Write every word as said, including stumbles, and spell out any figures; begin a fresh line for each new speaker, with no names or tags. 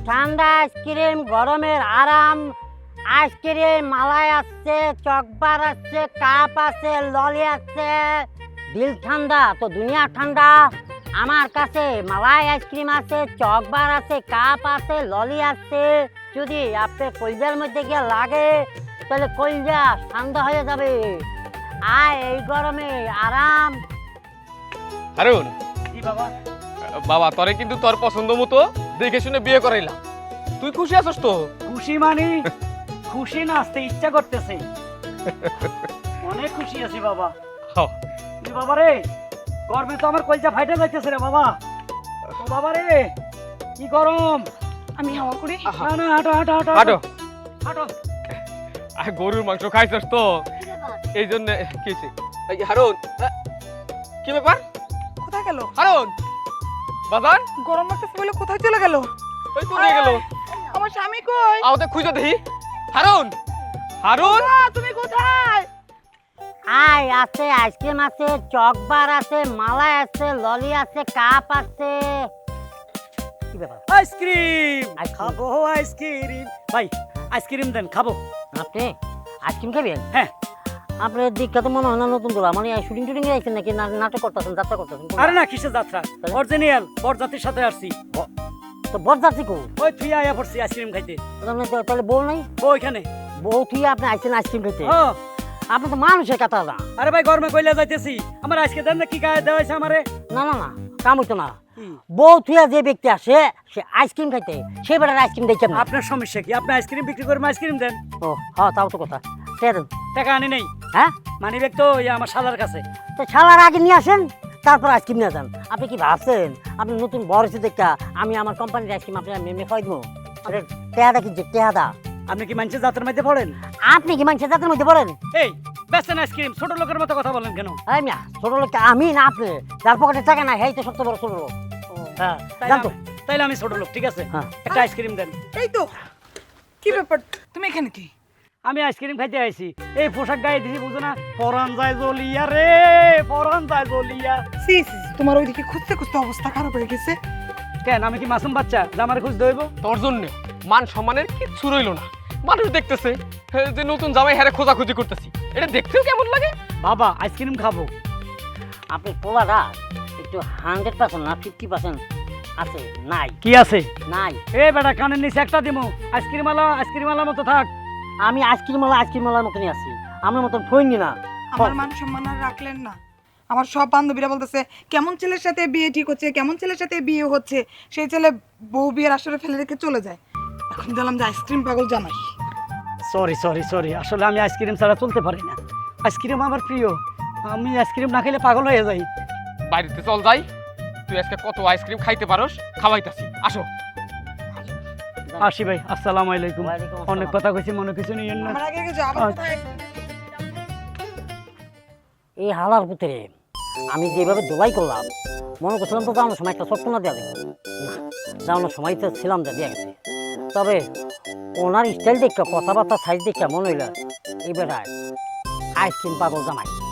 ঠান্ডা আইসক্রিম, গরমের আরাম আইসক্রিম, মালাই আছে, চকবার আছে, কাপ আছে, ললি আছে। দিল ঠান্ডা তো দুনিয়া ঠান্ডা। আমার কাছে মালাই আইসক্রিম আছে, চকবার আছে, কাপ আছে, ললি আছে। যদি আপনার কলজার মধ্যে গিয়ে লাগে তাহলে কলজা ঠান্ডা হয়ে যাবে। আয় এই গরমে আরাম।
হারুন,
জি বাবা।
বাবা তোরে কিন্তু তোর পছন্দ মতো দেখে শুনে বিয়ে করাইলাম। তুই খুশি আছিস তো?
খুশি মানে খুশি নাচতে ইচ্ছা করতেছে। অনেক খুশি আছি বাবা।
হ্যাঁ।
জি বাবা রে, গরমে তো আমার কলজা ফাইটে যাইতেছে রে বাবা। ও বাবা রে, কি গরম।
আমি হাওয়া করি।
না না, হাঁটো হাঁটো হাঁটো
হাঁটো।
হাঁটো।
আর গরুর মাংস খাইছিস তো এই জন্য কি হয়েছে? এই হারুন, আ, কি ব্যাপার?
কোথায় গেল?
হারুন বাজান,
গরম লাগতেছে বলে কোথায় চলে গেল?
ওই কোথায় গেল?
আমার স্বামী কই?
আওতে খুঁজে দেখি। হারুন, হারুন,
আ, তুমি কোথায়?
আয় আছে, আইসক্রিম আছে, চকবার আছে, মালাই আছে, ললি আছে, কাপ আছে। কি ব্যাপার?
Ice cream
ice cream.
খাবো আইসক্রিম। ভাই আইসক্রিম দেন, খাবো।
আপনি আইসক্রিম খাবেন?
হ্যাঁ।
আপনার দিকটা তো মনে হয় না নতুন দোলা, মানে শুটিং টুটিং এ আইছেন নাকি না- নাটক করতেছেন, যাত্রা করতেছেন?
আরে না, কিসের যাত্রা?
তাহলে?
অরিজিনাল বরযাত্রীর সাথে আসছি।
তো বরযাত্রী কো?
ওই তুই আয়া পড়ছি আইসক্রিম খাইতে।
তাহলে- তাহলে বউ নাই?
বউ ওইখানে।
বউ তুই আপনি আইছেন আইসক্রিম খেতে?
ও,
আপনি তো মানুষের কথা না।
আরে ভাই গরমে কইলা যাইতেছি, আমার আজকে দেন না, কি গায়ে দেওয়া হয়েছে আমারে।
না না না, কাম হইতো না।
কি?
বউ থুয়া যে ব্যক্তি আসে সে আইসক্রিম খাইতে, সে বেটার আইসক্রিম দেখছেন না।
আপনার সমস্যা কি? আপনি আইসক্রিম বিক্রি করে আইসক্রিম দেন।
ও হ্যাঁ, তাও তো কথা। কে দেন?
টাকা আনি নেই।
হ্যাঁ,
মানি ব্যাগ তো ওই আমার শালার কাছে।
তো ছালার আগে নিয়ে আসেন, তারপর আইসক্রিম নিয়ে যান। আপনি কি ভাবছেন আপনি নতুন বড় হচ্ছে দেখা আমি আমার কোম্পানির আইসক্রিম আপনার মেমে খাই দেবো? টেহাদা কিনছে, টেহাদা।
আপনি কি মানুষের যাত্রার মধ্যে পড়েন?
আপনি কি মানুষের জাতের মধ্যে পড়েন?
এই বেচেন আইসক্রিম, ছোট লোকের মতো কথা বলেন কেন?
এই মিয়া, ছোট লোক আমি না আপনি? যার পকেটে টাকা নাই হেই তো সবচেয়ে বড় ছোট লোক। হ্যাঁ,
তাইলে
জান তো।
আমি- তাইলে আমি ছোট লোক, ঠিক আছে।
হ্যাঁ।
একটা আইসক্রিম দেন।
এই তো। কি ব্যাপার? তুমি এখানে কি?
আমি আইসক্রিম খাইতে আইছি। এই পোশাক গায়ে দিছি, বুঝো না? পরান যায় জ্বলিয়া রে, পরান যায় জ্বলিয়া।
সি সি, তোমার ওইদিকে খুঁজতে খুঁজতে অবস্থা খারাপ হয়ে গেছে।
কেন, আমি কি মাসুম বাচ্চা যে আমার খুঁজ দইব?
তোর জন্য মান সম্মানের কিচ্ছু রইলো না। মানুষ দেখতেছে হে, যে নতুন জামাই হারে খোঁজাখুঁজি করতেছি। এটা দেখতেও কেমন লাগে।
বাবা আইসক্রিম খাবো।
আপনি পোলাটা একটু হান্ড্রেড পার্সেন্ট না ফিফটি পার্সেন্ট আছে নাই?
কি আছে?
নাই।
এ বেটা কানের নিচে একটা দিমু। আইসক্রিম আলা আইসক্রিম আলার মতো থাক।
আমি আইসক্রিম ওয়ালা আইসক্রিম ওয়ালার মতনই আছি, আমার মতন ফইনি না।
আমার মান সম্মান আর রাখলেন না। আমার সব বান্ধবীরা বলতেছে কেমন ছেলের সাথে বিয়ে ঠিক হচ্ছে, কেমন ছেলের সাথে বিয়ে হচ্ছে। সেই ছেলে বউ বিয়ের আসরে ফেলে রেখে চলে যায়। এখন দিলাম যে আইসক্রিম পাগল জানাই।
সরি সরি সরি, আসলে আমি আইসক্রিম ছাড়া চলতে পারি না। আইসক্রিম আমার প্রিয়। আমি আইসক্রিম না খেলে পাগল হয়ে যাই।
বাড়িতে চল যাই, তুই আজকে কত আইসক্রিম খাইতে পারোস খাওয়াইতাছি। আসো।
আসি ভাই, আসসালামু আলাইকুম।
ওয়ালাইকুম আসসালাম।
অনেক কথা কইছি, মনে কিছু নিয়েন না।
আমার আগে গেছে আবার
আচ্ছা।
কোথায়?
এই হালার ভিতরে আমি যেভাবে দোলাই করলাম, মনে করছিলাম তো যাওয়ানোর সময় একটা সটকনা দেওয়া দেবো না, যাওয়ানোর সময় তো ছিলাম যা দিয়ে গেছে। তবে ওনার স্টাইল দেখে, কথাবার্তা সাইজ দেখে মনে হইল এই বেটায় আইসক্রিম পাগল জামাই।